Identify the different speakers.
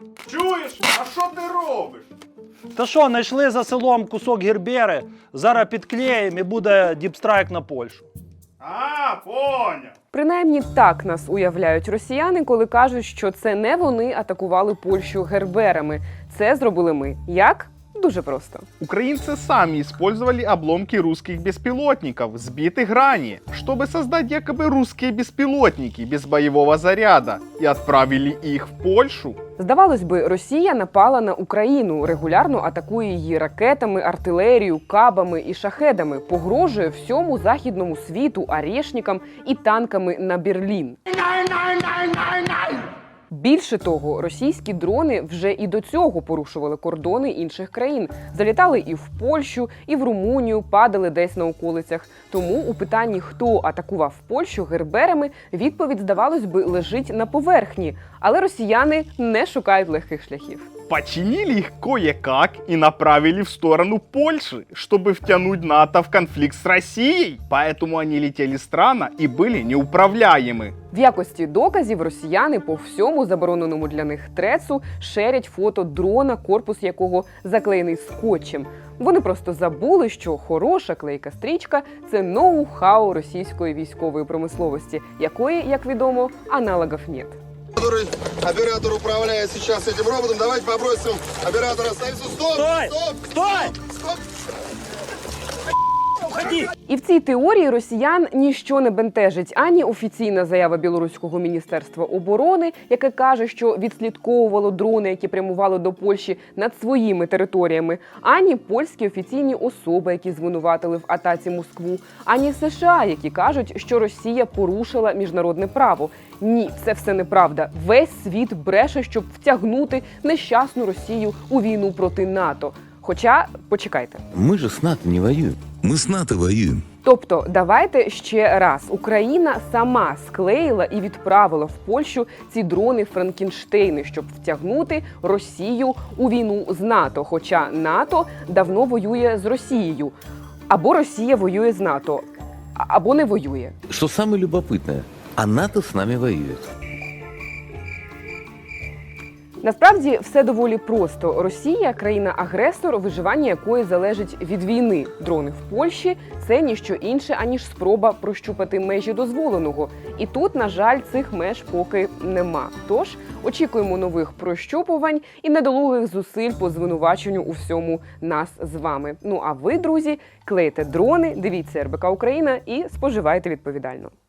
Speaker 1: Чуєш? А що ти робиш?
Speaker 2: Та що, знайшли за селом кусок гербери, зараз підклеїмо і буде діпстрайк на Польщу.
Speaker 1: А, поняв.
Speaker 3: Принаймні так нас уявляють росіяни, коли кажуть, що це не вони атакували Польщу герберами. Це зробили ми. Як? Дуже просто.
Speaker 4: Украинцы сами использовали обломки русских беспилотников, сбитых ранее, чтобы создать якобы русские беспилотники без боевого заряда, и отправили их в Польшу.
Speaker 3: Здавалось би, Росія напала на Україну, регулярно атакує її ракетами, артилерією, кабами і шахедами, погрожує всьому західному світу, арешникам і танками на Берлін. Більше того, російські дрони вже і до цього порушували кордони інших країн. Залітали і в Польщу, і в Румунію, падали десь на околицях. Тому у питанні, хто атакував Польщу герберами, відповідь, здавалось би, лежить на поверхні. Але росіяни не шукають легких шляхів.
Speaker 4: Починили их кое-как и направили в сторону Польши, чтобы втянуть НАТО в конфликт с Россией. Поэтому они летели странно и были неуправляемы.
Speaker 3: В якості доказів росіяни по всьому забороненому для них трецу шерять фото дрона, корпус якого заклеєний скотчем. Вони просто забули, що хороша клейка стрічка – це ноу-хау російської військової промисловості, якої, як відомо, аналогів нет.
Speaker 5: Который оператор управляет сейчас этим роботом. Давайте попросим оператора остановиться. Стоп!
Speaker 2: Стой!
Speaker 5: Стоп!
Speaker 2: Стой!
Speaker 5: Стоп!
Speaker 2: Уходи!
Speaker 3: І в цій теорії росіян ніщо не бентежить ані офіційна заява білоруського міністерства оборони, яке каже, що відслідковувало дрони, які прямували до Польщі над своїми територіями, ані польські офіційні особи, які звинуватили в атаці Москву, ані США, які кажуть, що Росія порушила міжнародне право. Ні, це все неправда. Весь світ бреше, щоб втягнути нещасну Росію у війну проти НАТО. Хоча, почекайте.
Speaker 6: Мы же с НАТО не воюем. Мы с НАТО воюем.
Speaker 3: Тобто, давайте ще раз. Україна сама склеїла і відправила в Польщу ці дрони Франкенштейни, щоб втягнути Росію у війну з НАТО. Хоча НАТО давно воює з Росією. Або Росія воює з НАТО, або не воює.
Speaker 6: Что самое любопытное, а НАТО с нами воюет.
Speaker 3: Насправді все доволі просто. Росія – країна-агресор, виживання якої залежить від війни. Дрони в Польщі – це ніщо інше, аніж спроба прощупати межі дозволеного. І тут, на жаль, цих меж поки нема. Тож, очікуємо нових прощупувань і недолугих зусиль по звинуваченню у всьому нас з вами. Ну а ви, друзі, клейте дрони, дивіться РБК Україна і споживайте відповідально.